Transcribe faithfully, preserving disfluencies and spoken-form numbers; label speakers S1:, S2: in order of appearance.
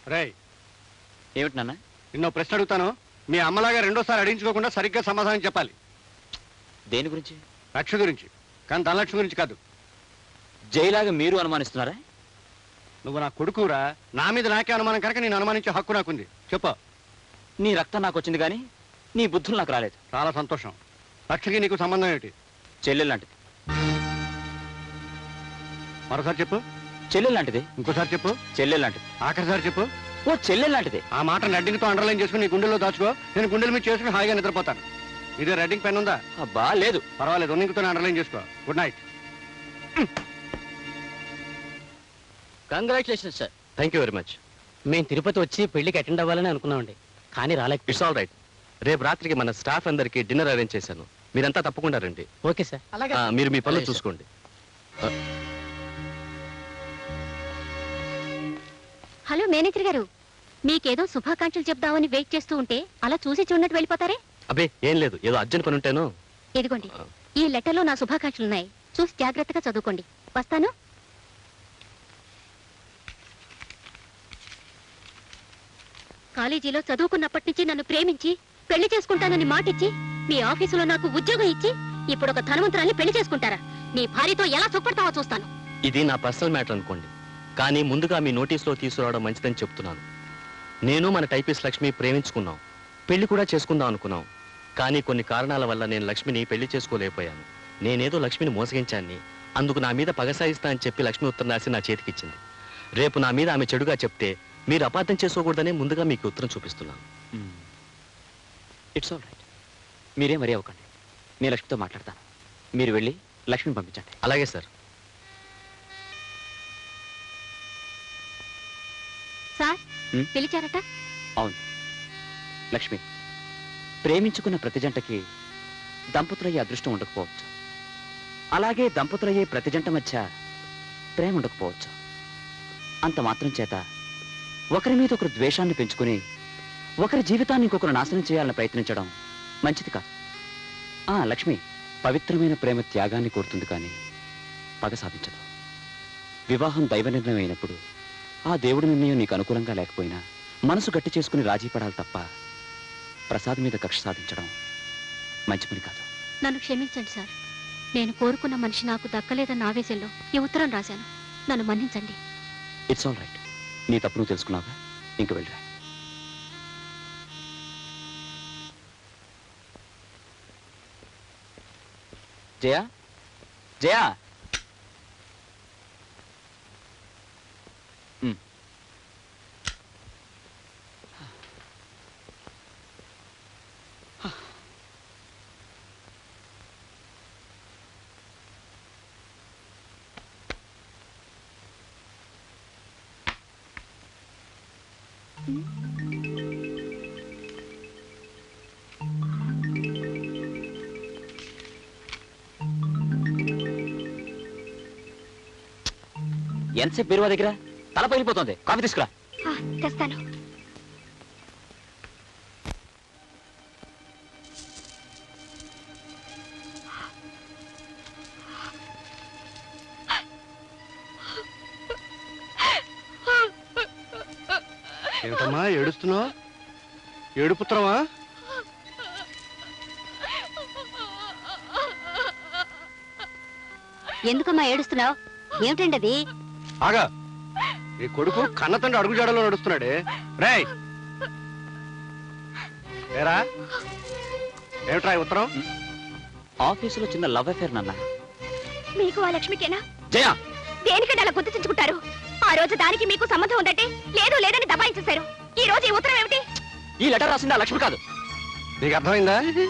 S1: రేయ్,
S2: ఏమిటి నాన్న?
S1: నిన్నో ప్రశ్న అడుగుతాను. మీ అమ్మలాగా రెండోసారి అడించుకోకుండా సరిగ్గా సమాధానం చెప్పాలి.
S2: దేని గురించి?
S1: లక్ష గురించి, కానీ ధనలక్ష్మి గురించి కాదు.
S2: జైలాగా మీరు అనుమానిస్తున్నారా?
S1: నువ్వు నా కొడుకురా, నా మీద నాకే అనుమానం కనుక నేను అనుమానించే హక్కు నాకుంది. చెప్పు.
S2: నీ రక్తం నాకు వచ్చింది కానీ నీ బుద్ధులు నాకు రాలేదు.
S1: చాలా సంతోషం. లక్షకి నీకు సంబంధం ఏమిటి?
S2: చెల్లెలు లాంటిది.
S1: మరోసారి చెప్పు.
S2: చెల్లెలు లాంటిది.
S1: ఇంకోసారి చెప్పు.
S2: చెల్లెలు లాంటిది.
S1: ఆఖరిసారి చెప్పు.
S2: ఓ చెల్లెలు లాంటిది.
S1: ఆ మాట రెడ్డింగ్తో అండర్లైన్ చేసుకుని నీ గుండెల్లో దాచుకో. నేను గుండెల మీద చేసుకుని హాయిగా నిద్రపోతాను. ఇదే రెడ్డింగ్ పెన్ ఉందా?
S2: అబ్బా లేదు.
S1: పర్వాలేదు, ఉన్నింగ్తో అండర్లైన్ చేసుకో. Good night.
S3: Congratulation sir.
S4: Thank you very much.
S3: మేము తిరుపతి వచ్చి పెళ్లికి అటెండ్ అవ్వాలని అనుకున్నామండి, కానీ రాలేక.
S4: It's all right. రేపు రాత్రికి మన స్టాఫ్ అందరికి డిన్నర్ అరేంజ్ చేశాను. మీరంతా తప్పకుండా రండి.
S3: Okay sir.
S4: ఆ, మీరు మీ పనులు చూసుకోండి.
S5: హలో మేనేజర్ గారు, మీకేదో శుభాకాంక్షలు చెప్దామని వెయిట్ చేస్తూ ఉంటే అలా చూసి చూడనట్టు వెళ్ళిపోతారే?
S4: అబ్బే ఏం లేదు, ఏదో అర్జెంట్ పని ఉంటేను.
S5: ఇదిగోండి, ఈ లెటర్లో నా శుభాకాంక్షలున్నాయి. చూసి జాగ్రత్తగా చదువుకోండి. వస్తాను. కాలేజీలో చదువుకున్నప్పటి నుంచి నన్ను ప్రేమించి పెళ్లి చేసుకుంటానని మాటిచ్చి మీ ఆఫీసులో నాకు ఉద్యోగం ఇచ్చి ఇప్పుడు ఒక ధనవంతురాల్ని పెళ్లి చేసుకుంటారా? నీ భార్యతో ఎలా సుఖపడతావో చూస్తాను.
S4: ఇది నా పర్సనల్ మ్యాటర్ అనుకోండి, కానీ ముందుగా మీ నోటీసులో తీసుకురావడం మంచిదని చెప్తున్నాను. నేను మన టైపిస్ట్ లక్ష్మి ప్రేమించుకున్నాం, పెళ్లి కూడా చేసుకుందాం అనుకున్నాం. కానీ కొన్ని కారణాల వల్ల నేను లక్ష్మిని పెళ్లి చేసుకోలేకపోయాను. నేనేదో లక్ష్మిని మోసగించాన్ని, అందుకు నా మీద పగ సాయిస్తా అని చెప్పి లక్ష్మి ఉత్తరం రాసి నా చేతికిచ్చింది. రేపు నా మీద ఆమె చెడుగా చెప్తే మీరు అపార్థం చేసుకోకూడదనే ముందుగా మీకు ఉత్తరం చూపిస్తున్నాను.
S2: It's all right. మీరే మరీ అవ్వకండి. నేను లక్ష్మితో మాట్లాడతాను. మీరు వెళ్ళి లక్ష్మిని పంపించండి.
S4: అలాగే సార్.
S5: సార్
S2: హ్మ్?
S5: పిలిచారట?
S2: అవును లక్ష్మి, ప్రేమించుకున్న ప్రతి జంటకి దంపతులయ్యే అదృష్టం ఉండకపోవచ్చు. అలాగే దంపతులయ్యే ప్రతి జంట మధ్య ప్రేమ ఉండకపోవచ్చు. అంత మాత్రం చేత ఒకరి మీద ఒకరు ద్వేషాన్ని పెంచుకుని ఒకరి జీవితాన్ని ఇంకొకరు నాశనం చేయాలని ప్రయత్నించడం మంచిది కాదు. ఆ లక్ష్మి, పవిత్రమైన ప్రేమ త్యాగాన్ని కోరుతుంది కానీ పగ సాధించదు. వివాహం దైవ నిర్ణయం అయినప్పుడు ఆ దేవుడి నిర్ణయం నీకు అనుకూలంగా లేకపోయినా మనసు గట్టి చేసుకుని రాజీ పడాలి తప్ప ప్రసాద్ మీద కక్ష సాధించడం మంచి పని కాదు.
S5: నన్ను క్షమించండి సార్. నేను కోరుకున్న మనిషి నాకు దక్కలేదన్న ఆవేశంలో ఈ ఉత్తరం రాశాను. నన్ను మన్నించండి.
S2: It's all right. నీ తప్పు నువ్వు తెలుసుకున్నావా? ఇంక వెళ్ళరా. జయా, జయా. ఎంతసేపు బీరువా దగ్గర? తల పగిలిపోతుంది. కాఫీ తీసుకురా.
S5: తెస్తాను.
S1: ఏమిటమ్మా ఏడుస్తున్నావు? ఏడుపుత్రమా?
S5: ఎందుకమ్మా ఏడుస్తున్నావు? ఏమిటండి అది?
S1: ఆగా, నీ కొడుకు కన్న తండ్రి అడుగుజాడలో నడుస్తున్నాడే. రేయ్ ఏరా, ఏమిట్రా ఈ ఉత్తరం?
S2: ఆఫీసులో చిన్న లవ్ అఫేర్ నాన్న.
S5: మీకు ఆ లక్ష్మికేనా?
S2: జయా,
S5: దేనికంటే అలా గుర్తించుకుంటారు? ఆ రోజు దానికి మీకు సంబంధం ఉందంటే లేదు లేదని దబాయించేశారు. ఈ రోజు ఈ ఉత్తరం ఏమిటి?
S2: ఈ లెటర్ రాసింది ఆ లక్ష్మి కాదు.
S1: నీకు అర్థమైందా?